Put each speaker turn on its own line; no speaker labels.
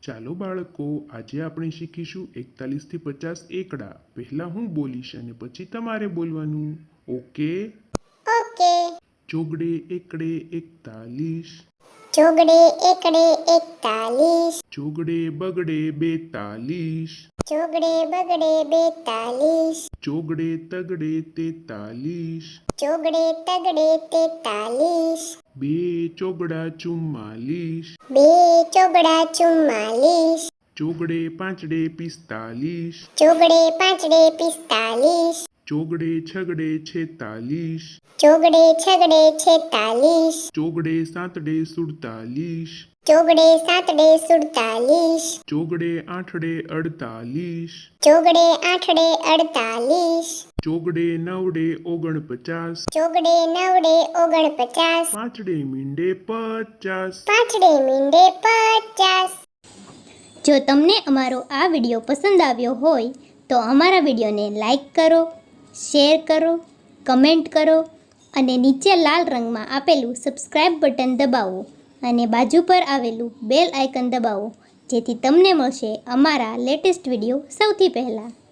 ચાલો બાળકો, આજે આપણે શીખીશું 41 થી 50 એકડા. પહેલા હું બોલીશ અને પછી તમારે બોલવાનું. ઓકે?
ઓકે.
ચોગડે એકડે 41,
ચોગડે એકડે 41,
ચોગડે બગડે 42,
ચોગડે બગડે 42,
ચોગડે તગડે 43,
ચોગડે તગડે 43,
બે ચોગડા 44,
બે ચોગડા 44,
ચોગડે પાંચડે 45,
ચોગડે પાંચડે 45,
ચોગડે છગડે 46,
ચોગડે છગડે 46,
ચોગડે સાતડે 47,
ચોગડે સાતડે 47,
ચોગડે આઠડે 48,
ચોગડે આઠડે 48,
ચોગડે નવડે 49,
ચોગડે નવડે 49,
પાંચડે મીંડે 50.
પાંચડે મીંડે 50. જો તમને અમારો આ વિડીયો પસંદ આવ્યો હોય તો અમારા વિડીયોને લાઈક કરો, શેર કરો, કમેન્ટ કરો અને નીચે લાલ રંગમાં આપેલું સબસ્ક્રાઇબ બટન દબાવો અને બાજુ પર આવેલું બેલ આઇકન દબાવો, જેથી તમને મળશે અમારા લેટેસ્ટ વિડીયો સૌથી પહેલાં.